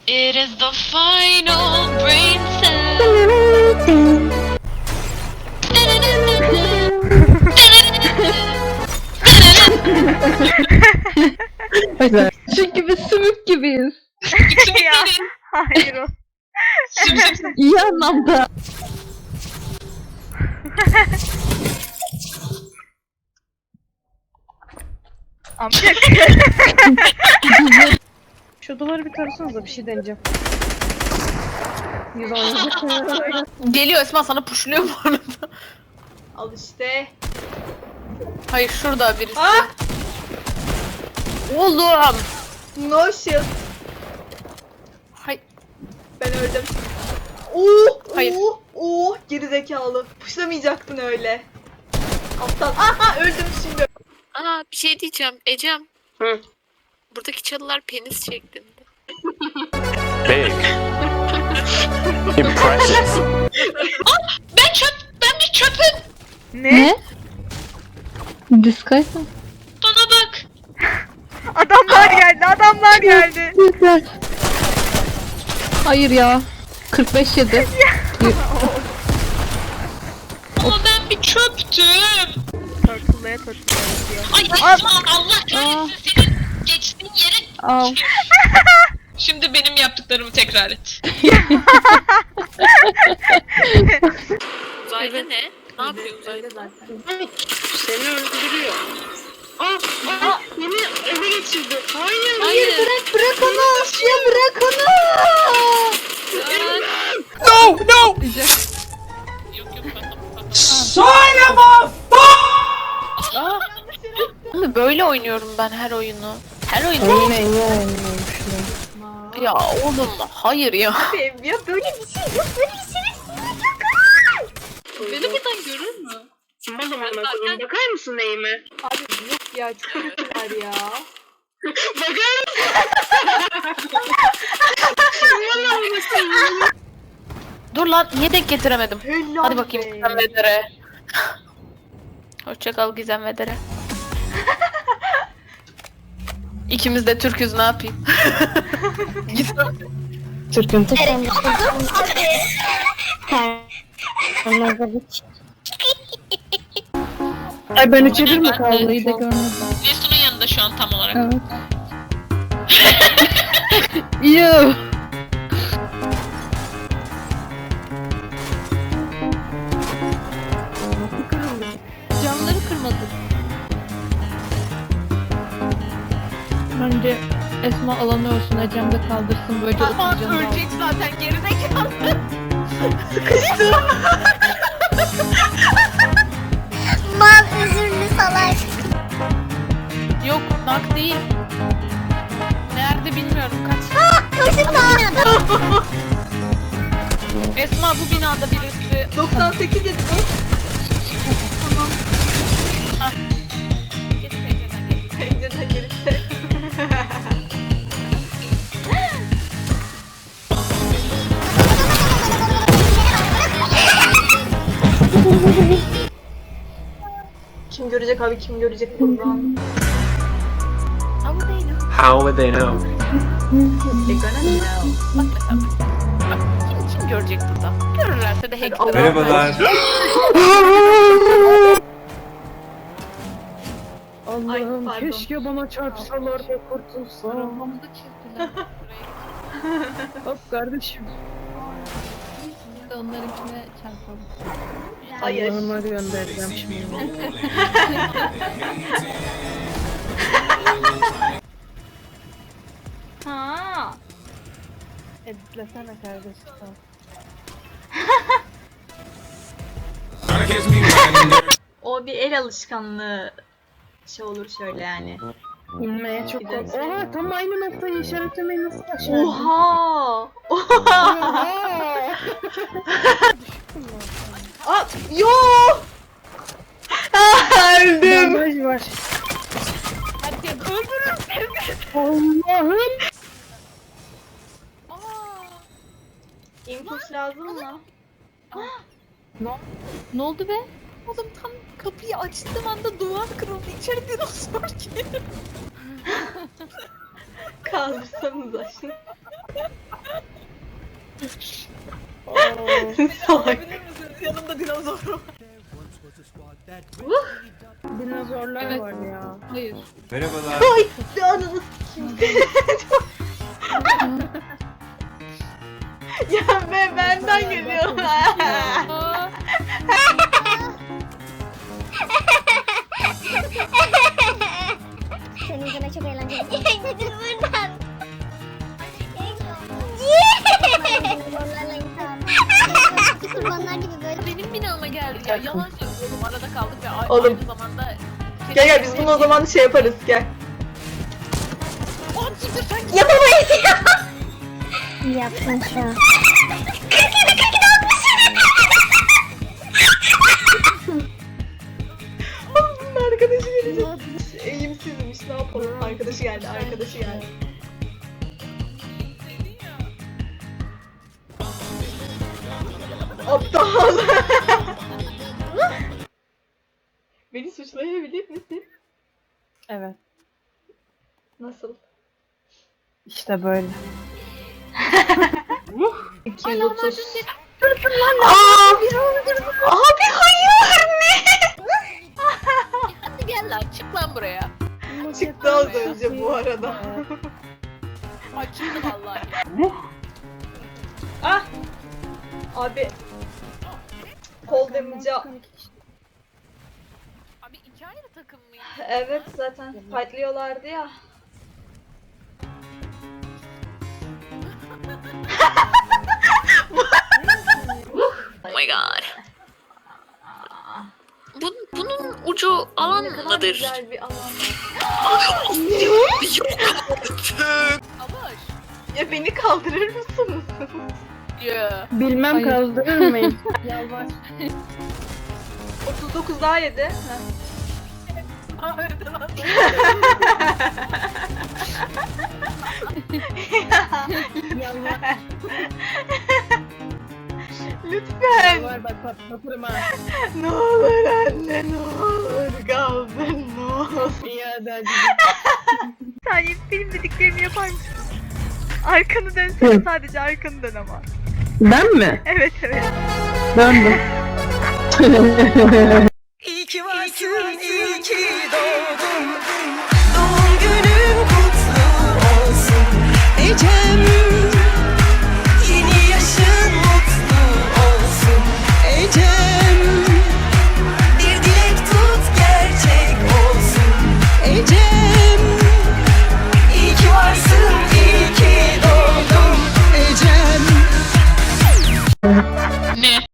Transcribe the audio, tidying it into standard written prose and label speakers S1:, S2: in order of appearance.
S1: It is the final brain cell.
S2: Çünkü biz sümük gibiyiz.
S3: Ya, hayır o.
S2: İyi anlamda.
S3: Amcak. Şu duvarı bir tarasanıza, bir şey deneyeceğim. 110.
S4: Geliyor Esma, sana pushluyor bu arada.
S5: Al işte.
S4: Hayır, şurada birisi.
S5: Ah!
S4: Oğlum.
S5: No shield.
S4: Hay.
S5: Ben öldüm.
S4: Hayır.
S5: Geri zekalı. Puşlamayacaktın öyle. Aptal. Aha öldüm şimdi.
S1: Aa, bir şey diyeceğim Ecem.
S4: Hı.
S1: Buradaki çalılar penis şeklinde.
S6: Big. Impressive.
S1: Ben bir çöpüm.
S3: Ne?
S2: Diskaysa.
S1: Bana bak.
S3: Adamlar geldi, adamlar geldi.
S2: Hayır ya. 45 yedi.
S1: Ama ben bir çöptüm.
S3: Tortullaya diyor.
S1: Ay Esma, Allah kahretsin senin geçtiğin yere.
S2: Al.
S1: Şimdi benim yaptıklarımı tekrar et. Uzaylı ne? Ne yapıyor uzaylı?
S4: Seni öldürüyor. Beni eve geçirdi. Hayır.
S1: Hayır.
S5: Bırak onu. Ya bırak onu.
S1: Yok ben
S4: Şimdi böyle oynuyorum ben her oyunu. Her oyunu. Ya oğlum, hayır ya.
S5: Ya böyle bir şey yok. Böyle bir şey
S1: Beni buradan görür mü?
S4: Bakar mısın neyime?
S5: Abi yok ya. Çok kötüler ya.
S4: Dur lan, niye denk getiremedim?
S5: Helal
S4: Hadi bakayım
S5: be.
S4: Gizem ve Dere. Hoşça kal Gizem ve Dere. İkimiz de Türk'üz, ne yapayım? Gizem.
S2: Türk'ün tek
S3: Ay ben içerir mi
S2: Vallahi de görmedim.
S1: Nesun'un yanında şu an tam olarak.
S2: Evet. Yuh. Camları kırmadık. Bence Esma alanı olsun, Ecem de kaldırsın, böylece
S4: Ama
S2: oturacağım.
S4: ölecek zaten, gerizekalı.
S7: Mal üzümlü salak.
S4: Yok, nak değil. Nerede bilmiyorum, kaç. Esma, bu binada birisi.
S5: 98 dedim.
S4: Git pencereden gel.
S5: Pencereden gelirse. Kim görecek abi, kim görecek buradan?
S4: Ama değilim.
S6: How would they know?
S5: They're gonna know.
S4: Bak mesela. Bak, kim görecek burada? Görürlerse de hackler.
S6: Merhabalar.
S5: Ay,
S3: Allah'ım
S5: pardon.
S3: keşke bana çarpsalar da kurtulsam.
S4: Arabamızı çizdiler.
S3: Hop kardeşim.
S2: Biz de onlarınkine çarpalım.
S5: Hayır.
S3: Allah'ıma göndereceğim şimdi.
S5: Ha.
S3: Editlesene kardeşim.
S5: O bir el alışkanlığı şey olur şöyle yani.
S3: İnmeye çok
S5: Bir de-
S3: kork. Oha, tam aynı noktayı işaretlemeyi nasıl başardın?
S5: Oha!
S3: Oha!
S5: Aa, yo! Öldüm.
S3: Bandaj var.
S4: Herkes öldürür seni.
S3: Allah'ım.
S5: İmpuls lazım mı?
S2: Ne oldu be?
S4: Oğlum, tam kapıyı açtığım anda duvar kırıldı. İçeri dinozor girdi.
S5: Kaldırsanıza şunu. Salak.
S4: Olabilir misiniz? Yanımda dinozor var.
S3: Dinozorlar
S2: Evet.
S3: var ya.
S2: Hayır.
S5: Ay ananı sikeyim. Ya be benden geliyor.
S2: Aa,
S7: Seni izlemek çok eğlenceli. Buradan. Kurbanlarla insan. Kurbanlar gibi böyle.
S4: Benim binama geldi ya. Yalan söylüyorum. Arada kaldık ve
S5: Oğlum.
S4: aynı zamanda...
S5: Gel gel biz bunu o zaman şey yaparız gel.
S4: Oğlum siktir sen
S5: Yapamayız ya.
S7: Yaptın şu an.
S5: Bunun arkadaşı gelecek. Eğimsizmiş ne yapalım. Arkadaşı geldi arkadaşı geldi. Aptal. Beni suçlayabilir misin?
S3: Evet.
S5: Nasıl?
S3: İşte böyle.
S5: 230. Aa! Abi hayır ne?
S4: hadi gel lan çık lan buraya.
S5: Çıktı az önce bu arada.
S4: Ay çıktı vallahi.
S5: Ah! Abi kol damage'a
S4: Abi iki ayrı takım mıydı?
S5: evet zaten fightlıyorlardı ya.
S1: Oh my god. Bunun ucu alan
S5: Ne kadar
S1: mıdır?
S5: güzel bir alan.
S4: Savaş.
S5: Ya beni kaldırır mısınız?
S4: Ya.
S3: Bilmem
S2: Hayır.
S3: kaldırır mıyım? Yalvar.
S5: 39 daha yedi.
S3: Yalvar.
S5: Lütfen.
S3: Yalvar bak patlatırım ha.
S5: Ne olur anne ne olur kaldır ne olur.
S3: İyi hadi hadi.
S5: Saniye benim dediklerimi yapar mısın? Arkanı dönsene sadece arkanı dön ama.
S3: Ben mi?
S5: Evet evet.
S3: Döndüm.
S8: İyi ki varsın, iyi ki doğdun. Doğum günün kutlu olsun Ecem. Yeni yaşın mutlu olsun Ecem. Bir dilek tut gerçek olsun Ecem. İyi ki varsın, iyi ki doğdun Ecem.